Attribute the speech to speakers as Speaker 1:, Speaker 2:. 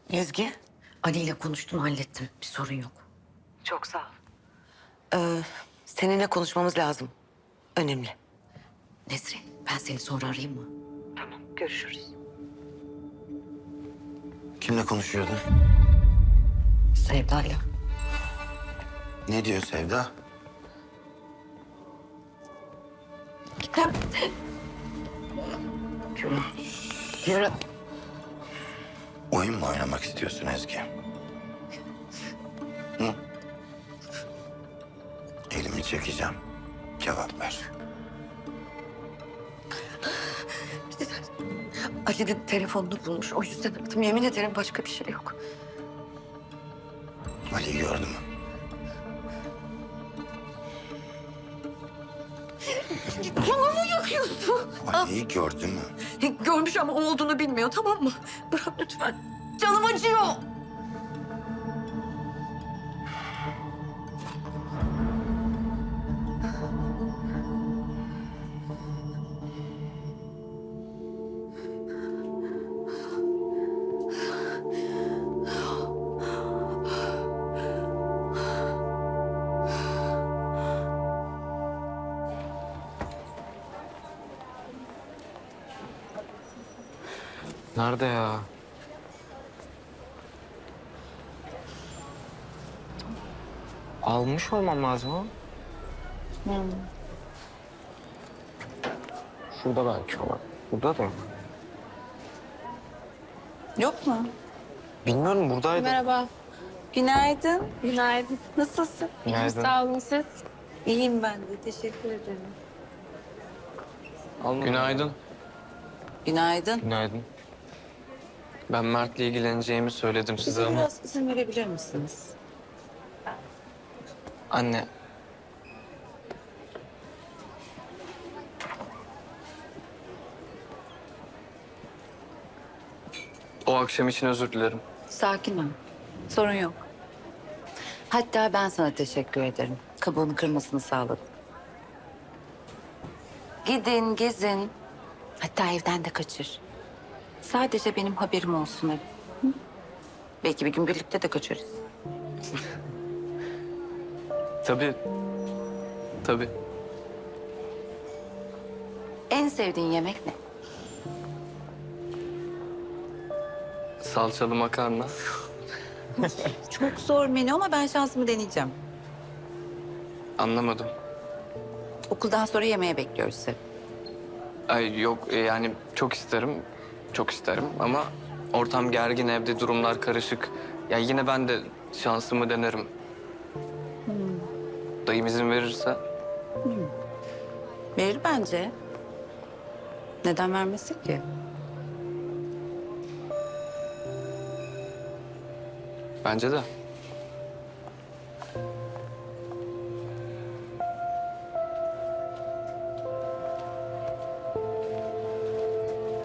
Speaker 1: Ezgi, Ali ile konuştum, hallettim. Bir sorun yok.
Speaker 2: Çok sağ ol. Seninle konuşmamız lazım. Önemli.
Speaker 1: Nesrin, ben seni sonra arayayım mı?
Speaker 2: Tamam, görüşürüz.
Speaker 3: Kimle konuşuyordun?
Speaker 1: Sevda'yla.
Speaker 3: Ne diyor Sevda?
Speaker 1: Yürü.
Speaker 3: Oyun mu oynamak istiyorsun Ezgi? Hı? Elimi çekeceğim. Cevap ver.
Speaker 1: Ali'nin telefonunu bulmuş. O yüzden aradım. Yemin ederim başka bir şey yok.
Speaker 3: Ali'yi gördü mü?
Speaker 1: Canımı yakıyorsun.
Speaker 3: Ali'yi gördü mü?
Speaker 1: Görmüş ama o olduğunu bilmiyor, tamam mı? Bırak lütfen. Canım acıyor.
Speaker 4: Nerede ya? Almış olmam lazım ama. Şurada belki olan. Burada da yok.
Speaker 5: Yok mu?
Speaker 4: Bilmiyorum, buradaydı.
Speaker 5: Merhaba. Günaydın.
Speaker 6: Günaydın.
Speaker 5: Nasılsın?
Speaker 4: Günaydın.
Speaker 6: Sağ olun siz.
Speaker 5: İyiyim ben de. Teşekkür ederim.
Speaker 4: Günaydın.
Speaker 5: Günaydın.
Speaker 4: Günaydın. Ben Mert'le ilgileneceğimi söyledim size
Speaker 5: Bize
Speaker 4: ama...
Speaker 5: biraz izin verebilir misiniz?
Speaker 4: Anne. O akşam için özür dilerim.
Speaker 5: Sakin ol. Sorun yok. Hatta ben sana teşekkür ederim. Kabuğunu kırmasını sağladım. Gidin, gezin. Hatta evden de kaçır. Sadece benim haberim olsun hep. Hı? Belki bir gün birlikte de kaçarız.
Speaker 4: Tabii. Tabii.
Speaker 5: En sevdiğin yemek ne?
Speaker 4: Salçalı makarna.
Speaker 5: Çok zor menü ama ben şansımı deneyeceğim.
Speaker 4: Anlamadım.
Speaker 5: Okuldan sonra yemeğe bekliyoruz seni.
Speaker 4: Ay yok, yani çok isterim. Çok isterim ama ortam gergin, evde durumlar karışık. Ya yine ben de şansımı denerim. Dayım izin verirse.
Speaker 5: Verir bence. Neden vermesin ki?
Speaker 4: Bence de.